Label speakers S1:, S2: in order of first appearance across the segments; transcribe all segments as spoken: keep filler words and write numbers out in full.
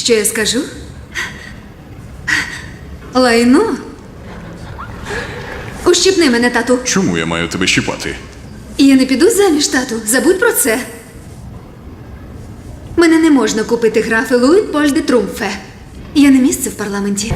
S1: Що я скажу? Лайно? Ущипни мене, тату.
S2: Чому я маю тебе щіпати?
S1: Я не піду заміж, тату. Забудь про це. Мене не можна купити графи Луїд Поль де Трумфе. Я не місце в парламенті.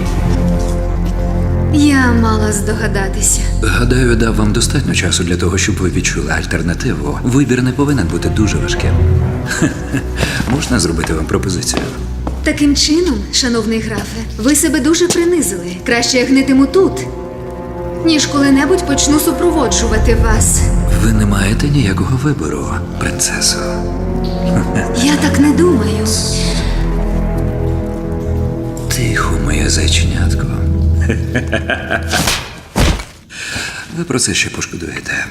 S1: Я мала здогадатися.
S3: Гадаю, дав вам достатньо часу для того, щоб ви відчули альтернативу. Вибір не повинен бути дуже важким. Можна зробити вам пропозицію?
S1: Таким чином, шановний графе, ви себе дуже принизили. Краще я гнитиму тут, ніж коли-небудь почну супроводжувати вас.
S3: Ви не маєте ніякого вибору, принцесо.
S1: Я так не думаю.
S3: Тихо, моє зайченятко. Ви про це ще пошкодуєте.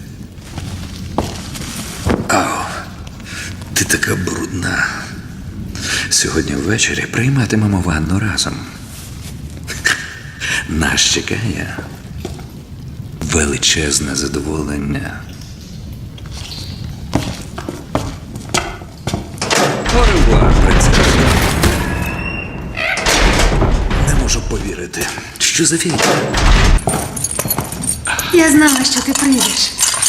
S3: Ау, ти така брудна. Сьогодні ввечері прийматимемо ванну разом. Нас чекає величезне задоволення. Оревуар, принцесо. Не можу повірити. Що за фігня?
S1: Я знала, що ти прийдеш.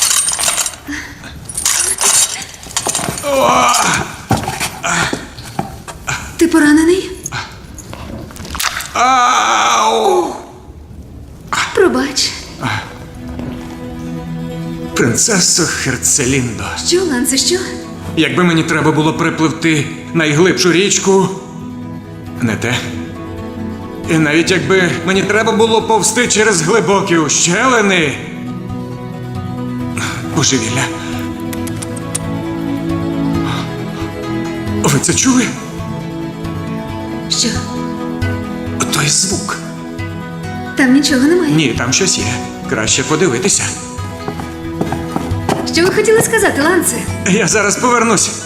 S1: Ти поранений?
S2: Ау!
S1: Пробач.
S4: Принцесо Херцеліндо,
S1: Що, Ланце, що?
S4: якби мені треба було перепливти найглибшу річку, не те. І навіть якби мені треба було повсти через глибокі ущелини. Божевілля. Ви це чули?
S1: Що?
S4: Той звук.
S1: Там нічого немає.
S4: Ні, там щось є. Краще подивитися.
S1: Що ви хотіли сказати, Ланце?
S4: Я зараз повернусь.